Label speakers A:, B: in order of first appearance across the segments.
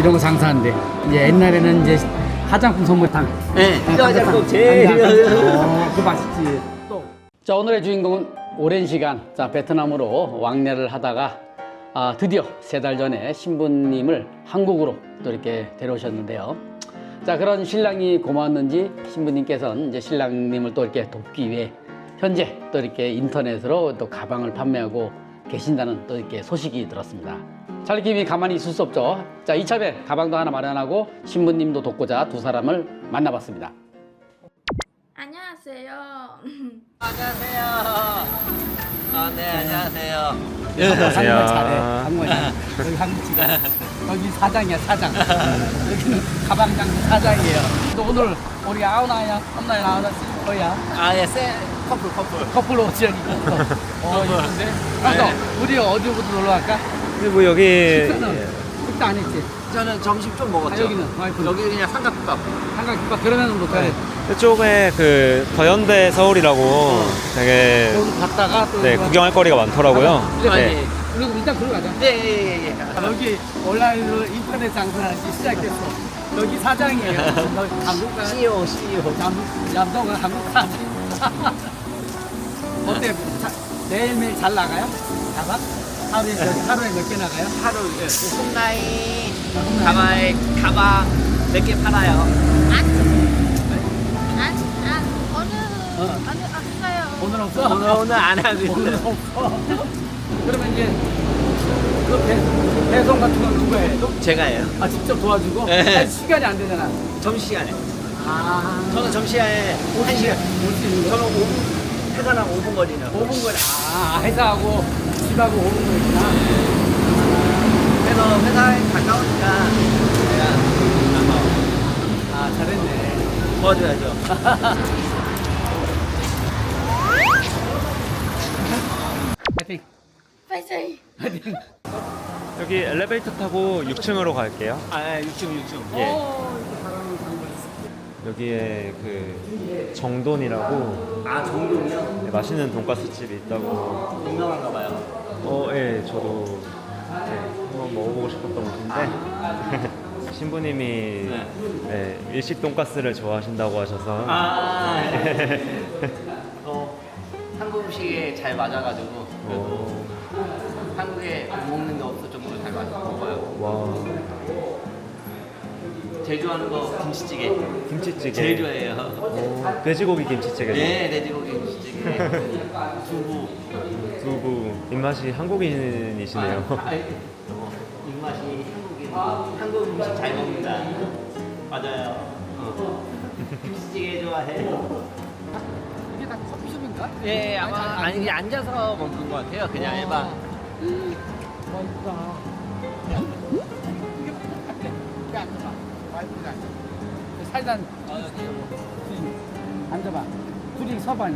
A: 이런 거 장사하는데 이제 옛날에는 이제 화장품 선물탕.
B: 네, 화장품 제일
A: 그 맛있지. 또. 자, 오늘의 주인공은 오랜 시간 베트남으로 왕래를 하다가 드디어 3달 전에 신부님을 한국으로 또 이렇게 데려오셨는데요. 자, 그런 신랑이 고마웠는지 신부님께서는 이제 신랑님을 또 이렇게 돕기 위해 현재 또 이렇게 인터넷으로 또 가방을 판매하고 계신다는 또 이렇게 소식이 들었습니다. 찰리킴이 가만히 있을 수 없죠. 자, 이참에 가방도 하나 마련하고 신부님도 돕고자 두 사람을 만나봤습니다.
C: 안녕하세요.
B: 안녕하세요. 네, 안녕하세요.
A: 한국말 잘해. 한국말 잘해. 여기 한국지가. 여기 사장이야, 사장. 여기는 가방장 사장이에요. 또 오늘 우리 아우나야, 엄나야 나와서 쓸 거야.
B: 예,
A: 커플로 옷이 여기 입고. 이쁜데? 그래서 우리 어디부터 놀러 갈까?
D: 근데 뭐 여기
A: 식사 안 했지?
B: 저는 점심 좀 먹었죠.
A: 여기는 와이프.
B: 여기 그냥 삼각김밥.
A: 한강김밥 그러면은 못 가네.
D: 이쪽에 그 더현대 서울이라고 되게
A: 여기 갔다가 또
D: 네, 구경할 거리가 많더라고요.
A: 네. 그리고 일단 그러고 가자.
B: 예.
A: 여기 온라인으로 인터넷 장사하기 시작했어. 여기 사장이에요. 너 한국 가.
B: CEO.
A: 얌동은 한국 사람. 어때? 매일매일 잘 나가요? 가방? 하루에 몇 개 나가요?
B: 하루 홈라인 가방 몇 개 팔아요.
C: 오늘 없어요.
A: 오늘 없어?
B: 오늘 안 하고
A: 오늘
B: 있어요.
A: 없어. 그러면 이제 그 배송 같은 건 누가 해?
B: 제가 해요.
A: 직접 도와주고?
B: 네.
A: 아니, 시간이 안 되잖아.
B: 점심시간에.
A: 저는
B: 점심시간에 1시간.
A: 올수 있는 거?
B: 저는 5분, 회사랑 5분 거리라고.
A: 5분 거리. 회사하고 집하고 5분 거리구나.
B: 그래서 회사에 가까우니까 제가 나가요.
A: 잘했네.
B: 도와줘야죠.
A: 파이팅.
C: 파이팅.
A: 파이팅.
D: 여기 엘리베이터 타고 6층으로 갈게요.
B: 6층.
D: 예. 여기에 그 정돈이라고
B: 정동이요?
D: 네, 맛있는 돈가스 집이 있다고.
B: 유명한가 봐요.
D: 예, 저도 한번 먹어보고 싶었던 곳인데 신부님이 네, 일식 돈가스를 좋아하신다고 하셔서
B: 한국 음식에 잘 맞아가지고 한국에 먹는 게 없을 정도로 잘 먹어요.
D: 와,
B: 제일 좋아하는 거 김치찌개.
D: 김치찌개.
B: 제일 좋아해요.
D: 돼지고기 김치찌개.
B: 네, 돼지고기 김치찌개. 두부.
D: 두부. 입맛이 한국인이시네요.
B: 입맛이 한국인. 한국 음식 잘 먹는다. 맞아요. 김치찌개 좋아해.
A: 이게 다 커피숍인가?
B: 예, 아니 그냥 앉아서 먹는 것 같아요. 그냥 일반.
A: 맛있다. 이게 앉아봐. 와이프가 앉아. 살단. 앉아봐. 둘이 서반.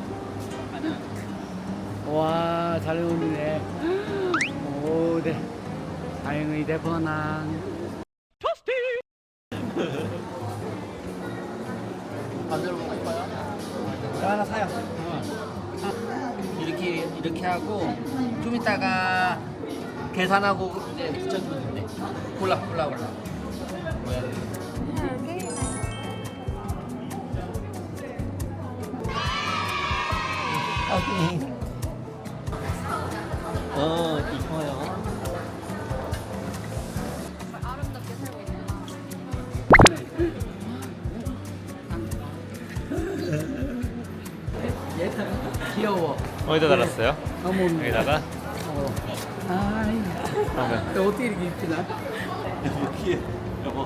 A: 와, 잘 어울리네. 오, 네. 다행히 대번한.
B: 만들어 먹고 싶어요? 하나 사요. 이렇게 하고 좀 이따가 계산하고 이제 붙여주면 돼. 골라. 뭐야? 이뻐요.
C: 아름답게 살고 있네요.
A: 귀여워.
D: 어디다 달았어요?
A: 너무.
D: 여기다가.
A: 너 어떻게 이렇게 입지나?
B: 여보.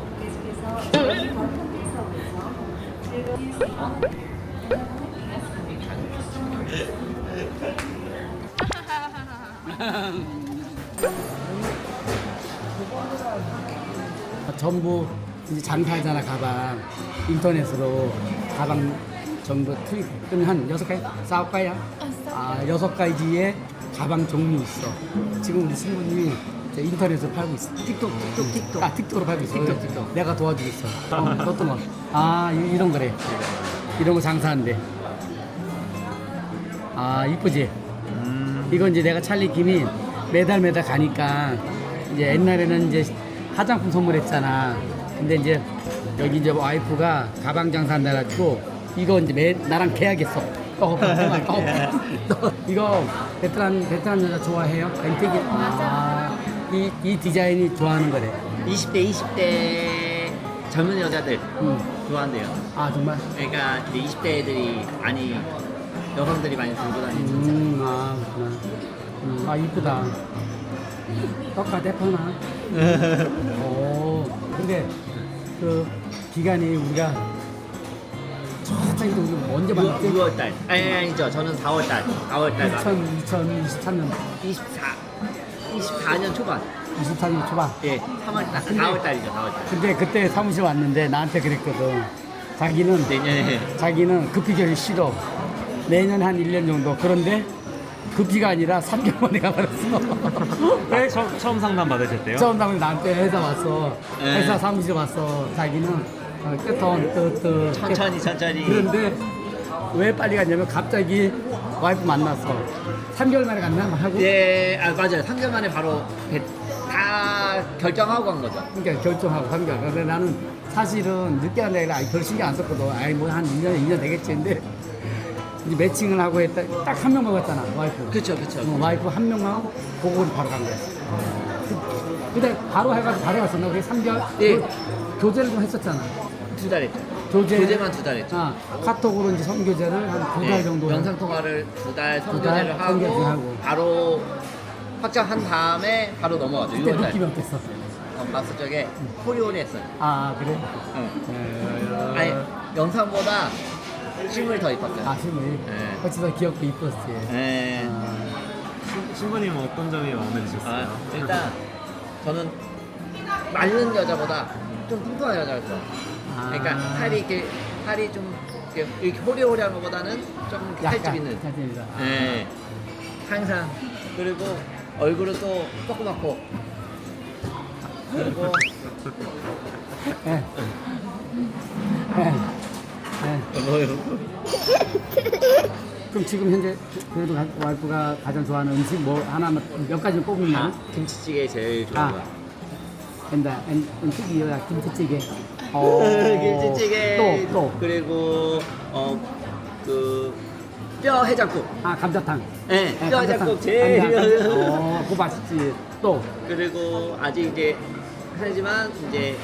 A: 전부 이제 장사하잖아. 가방 인터넷으로 가방 전부 트윗 그러면 한 6가지? 4가지야? 6가지의 가방 종류 있어. 지금 우리 친구님이 인터넷으로 팔고 있어. 틱톡. 틱톡으로 팔고 있어. 틱톡. 내가 도와주고 있어. 어떤 거? 이런 거래. 이런 거 장사한대. 이쁘지? 이건 이제 내가 찰리 김이 매달 가니까 이제 옛날에는 이제 화장품 선물했잖아. 근데 이제 여기 이제 와이프가 가방 장사한다 해가지고 이거 이제 나랑 계약했어. 너 이거 베트남 여자 좋아해요? 뱅택이. 이 디자인이 좋아하는 거래.
B: 20대, 20대 젊은 여자들 좋아한대요.
A: 아 정말?
B: 그러니까 이제 20대 애들이 많이 여성들이 많이 들고 다니는
A: 아 그렇구나. 아 이쁘다. 떡가 대파나. 오 근데 그 기간이 우리가 저기 우리 언제 만났지?
B: 6월달. 아니죠. 저는 4월달. 4월달.
A: 2023년
B: 24년 초반.
A: 24년 초반.
B: 예, 3월달. 4월달이죠. 4월달.
A: 근데 그때 사무실 왔는데 나한테 그랬거든. 자기는
B: 내년에.
A: 자기는 급히결이 싫어. 내년에 한 1년 정도. 그런데 급히가 아니라 3개월 만에 가버렸어. 왜?
D: 처음 상담 받으셨대요?
A: 처음 당일 나한테 회사 왔어.
B: 네.
A: 회사 사무실 왔어. 자기는 끝
B: 천천히.
A: 그런데 왜 빨리 갔냐면 갑자기 와이프 만났어. 3개월 만에 갔나 하고.
B: 예, 아 맞아요. 3개월 만에 바로 다 결정하고 간 거죠.
A: 그러니까 결정하고 3개월. 근데 나는 사실은 늦게 한다 해라. 별 신경 안 썼거든. 아이 뭐 한 2년 되겠지. 근데 이제 매칭을 하고 했다. 딱 한 명 먹었잖아 와이프.
B: 그쵸.
A: 와이프 한 명하고 그거를 바로 간 거야. 근데 바로 해가지고 바로 갔었나? 우리 3개월
B: 예.
A: 교제를 좀 했었잖아.
B: 2달 했죠.
A: 교제.
B: 교제만 2달 했죠.
A: 아, 카톡으로 이제 선교제를 한 2달
B: 예,
A: 정도.
B: 영상 통화를 2달
A: 달
B: 선교제를
A: 선교제하고.
B: 하고 바로 확정한 다음에 바로 넘어가죠.
A: 그때
B: 6월달.
A: 느낌이 어땠어?
B: 봤을 적에 코리온이 했어요.
A: 아 그래?
B: 응. 아니 영상보다 실물이 더 이뻤어요.
A: 아 실물.
B: 네.
A: 훨씬 더 귀엽고 이뻤지.
B: 네.
D: 신부님은 어떤 점이 마음에 드셨어요?
B: 일단 저는 마른 여자보다 좀 뚱뚱한 여자를 좋아. 그러니까 살이 좀 이렇게 호리호리한 것보다는 좀 살집 있는.
A: 살집이다.
B: 네. 항상 그리고 얼굴은 또 조그맣고 그리고
A: 예. 그럼 지금 현재 그래도 와이프가 가장 좋아하는 음식 뭐 하나만 몇 가지 뽑으면
B: 김치찌개 제일 좋아요.
A: 된다. 음식이야 김치찌개.
B: 김치찌개
A: 또.
B: 그리고 그 뼈 해장국.
A: 아 감자탕.
B: 네, 뼈
A: 감자탕.
B: 해장국 제일.
A: 그거 맛있지. 또.
B: 그리고 아직 이제 하지만 이제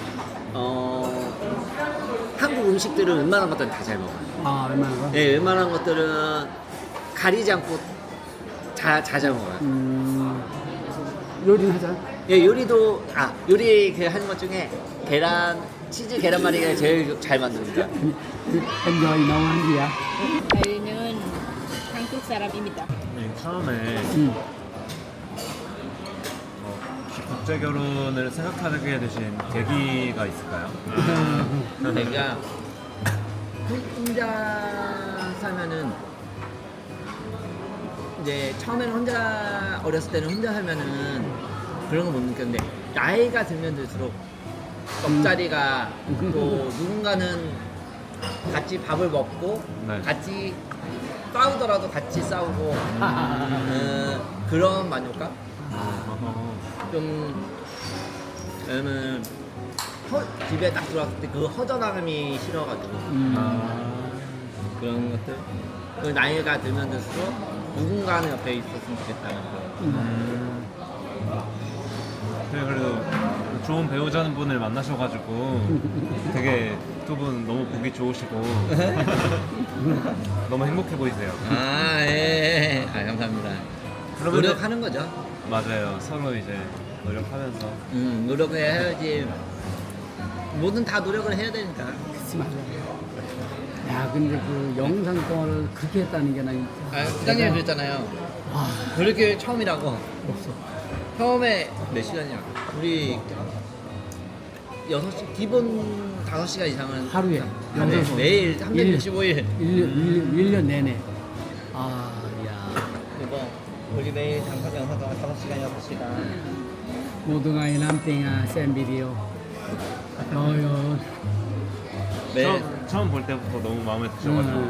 B: 한국 음식들은 웬만한 것들은 다 잘 먹어요.
A: 아 웬만한 거.
B: 네, 웬만한 것들은 가리지 않고 잘 먹어요.
A: 요리는 하자.
B: 예, 요리도 요리 그 하는 것 중에 치즈 계란말이가 제일 잘 만듭니다.
A: enjoy 너무 한기야.
C: 저희는 한국 사람입니다.
D: 처음에 국제 결혼을 생각하게 되신 계기가 있을까요?
B: 그러니까 혼자 살면은 이제 처음에는 혼자 어렸을 때는 혼자 살면은 그런 거 못 느꼈는데 나이가 들면 들수록 옆자리가 또 누군가는 같이 밥을 먹고
D: 네.
B: 같이 싸우더라도 같이 싸우고 그런 만족감? 좀 저는 집에 딱 들어왔을 때 그 허전함이 싫어가지고 그런 것들 그 나이가 들면 들수록 누군가는 옆에 있었으면 좋겠다는 거.
D: 네, 그래도 좋은 배우자는 분을 만나셔가지고 되게 두 분 너무 보기 좋으시고 너무 행복해 보이세요.
B: 예. 감사합니다.
D: 그러면은-
B: 노력하는 거죠.
D: 맞아요. 서로 이제 노력하면서.
B: 노력을 해야지. 뭐든 다 노력을 해야 되니까.
A: 그치 맞아. 야 근데 그 영상 통화를 그렇게 했다는 게 나.
B: 부장님이 그랬잖아요. 그렇게 처음이라고.
A: 없어.
B: 처음에 몇 시간이야? 우리 6시, 기본 5시간 이상은
A: 하루에
B: 하루에
A: 영상
B: 매일 365일
A: 1년 내내. 아, 야.
B: 그리고 우리 매일 단편 영상 동안 5시간, 6시간
A: 모두가 남땡아 센 비디오.
B: 매일
D: 처음 볼 때부터 너무 마음에 드셔가지고.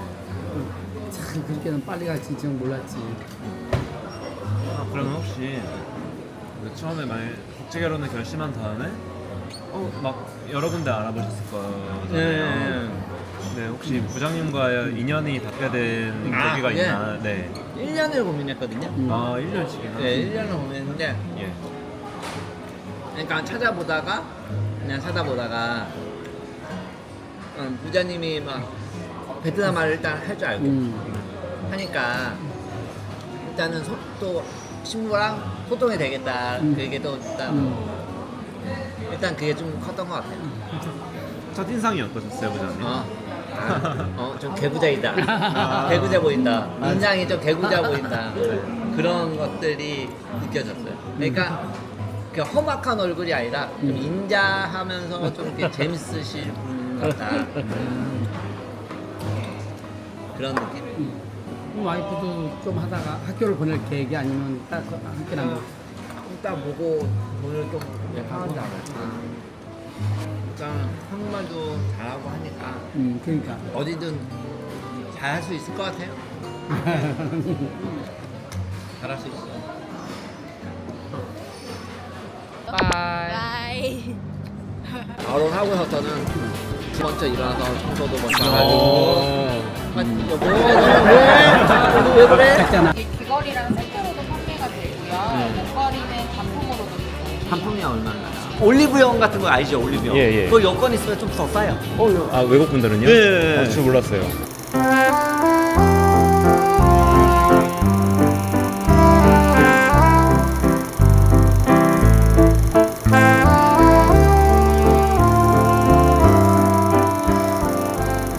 A: 참 그렇게는 빨리 갈지 좀 몰랐지.
D: 그러면 혹시 근데 처음에 국제 결혼을 결심한 다음에 막 여러 군데 알아보셨을 거잖아요. 네, 혹시 부장님과의 인연이 닿게 된 계기가
B: 그게?
D: 있나? 네.
B: 1년을 고민했거든요.
D: 아, 1년씩이나?
B: 네, 1년을 고민했는데
D: 예.
B: 그러니까 찾아보다가 부자님이 막 베트남 말을 일단 할 줄 알고 하니까 일단은 또 친구랑 소통이 되겠다. 그게 또 일단 그게 좀 컸던 것 같아요.
D: 첫인상이 어떠셨어요, 부장님?
B: 좀 개구자이다. 개구자 보인다. 인상이 좀 개구자 보인다. 그런 것들이 느껴졌어요. 그러니까 그 험악한 얼굴이 아니라 좀 인자하면서 좀 이렇게 재밌으실 분 같다. 그런 느낌.
A: 와이프도 좀 하다가 학교를 보낼 계획이 아니면 딱 학교나 뭐.
B: 일단 보고 돈을 좀 하는지 않을까. 일단 한국말도 잘하고 하니까
A: 그러니까.
B: 어디든 잘 할 수 있을 것 같아요. 잘할 수 있어.
C: 바이.
B: 결혼하고서는 먼저 일어나서 청소도 먼저
D: 오.
B: 하고. 왜 그래?
A: 작잖아.
C: 이게 귀걸이랑 세트로도 판매가 되고요. 목걸이는 단품으로도 되고.
B: 단품이 얼마나? 올리브영 같은 거 아시죠? 올리브영.
D: 예, 예.
B: 그거 여권 있으면 좀 더 싸요.
D: 아, 외국 분들은요?
B: 네.
D: 저 몰랐어요.